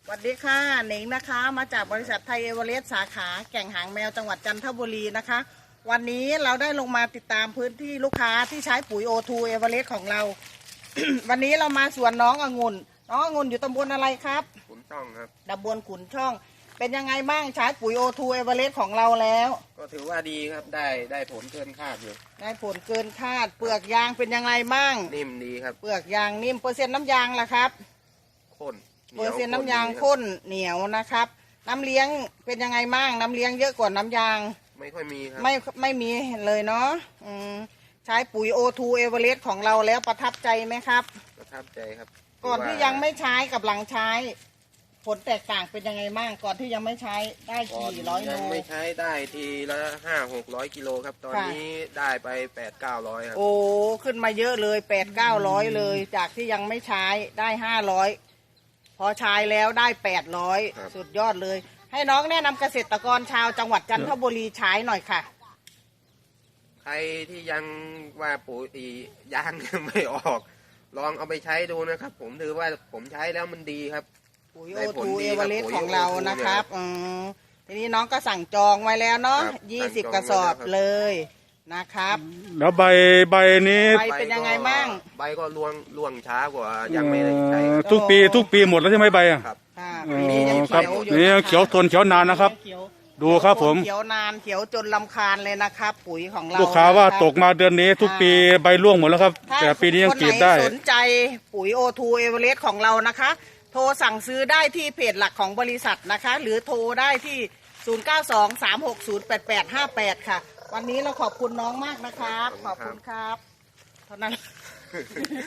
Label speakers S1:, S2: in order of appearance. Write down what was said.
S1: วัสดีค่ะหนิงนะคะมาจากบริษัทไทยเอเวอเรสต์สาขาแก่งหางแมวจังหวัดจันทบุรีนะคะวันนี้เราได้ลงมาติดตามพื้นที่ลูกค้าที่ใช้ปุ๋ยโอทูเอเวอเรสต์ของเรา วันนี้เรามาสวนน้ององุ่นอยู่ตำบลอะไรครับ
S2: ขุนช่องครับ
S1: ตำบลขุนช่องเป็นยังไงบ้างใช้ปุ๋ยโอทูเอเวอเรสต์ของเราแล้ว
S2: ก็ถือว่าดีครับได้ผลเกินคาดอยู่
S1: ได้ผลเกินคาดเปลือกยางเป็นยังไงบ้าง
S2: นิ่มดีครับ
S1: เปลือกยางนิ่มเปอร์เซ็นต์น้ำยางล่ะครับ
S2: ข้น
S1: เปอร์เซ็นต์น้ำยางข้นเหนียวนะครับน้ำเลี้ยงเป็นยังไงบ้างน้ำเลี้ยงเยอะกว่าน้ำยาง
S2: ไม่ค่อยมีครับ
S1: ไม่มีเลยเนาะใช้ปุ๋ยโอทูเอเวอเรสต์ของเราแล้วประทับใจไหมครับ
S2: ประทับใจครับ
S1: ก่อนที่ยังไม่ใช้กับหลังใช้ผลแตกต่างเป็นยังไงบ้างก่อนที่ยังไม่ใช้ได้กี่ร้อยโล
S2: ยังไม่ใช้ได้ทีละ500-600 กิโลครับตอนนี้ได้ไป800-900ครับ
S1: โอ้ขึ้นมาเยอะเลย800-900เลยจากที่ยังไม่ใช้ได้500พอใช้แล้วได้800สุดยอดเลยให้น้องแนะนำเกษตรกรชาวจังหวัดจันทบุรีใช้หน่อยค่ะ
S2: ใครที่ยังว่าปุ๋ยยางยังไม่ออกลองเอาไปใช้ดูนะครับผมถือว่าผมใช้แล้วมันดีครับ
S1: ปุ๋ยโอทูเอเวอเรสต์ของเรานะครับทีนี้น้องก็สั่งจองไว้แล้วเนาะ20 กระสอบเลยนะครับ
S3: แล้วใบนี้
S1: ใบเป็นยังไงบ้าง
S2: ใบก็ร่วงช้ากว่ายังไม่ได้ใช้
S3: ทุกปีหมดแล้วใช่ไหมใบอ่ะ
S2: ครับ
S3: ครับนี่เขียวทนเขียวนานนะครับดูครับผม
S1: เขียวนานเขียวจนลำคาญเลยนะครับปุ๋ยของเรา
S3: ลูกค้าว่าตกมาเดือนนี้ทุกปีใบร่วงหมดแล้วครับแต่ปีนี้ยังกรีดได้
S1: สนใจปุ๋ยโอทูเอเวอเรสต์ของเรานะคะโทรสั่งซื้อได้ที่เพจหลักของบริษัทนะคะหรือโทรได้ที่0923608858ค่ะวันนี้เราขอบคุณน้องมากนะครับขอบคุณครับเท่านั้น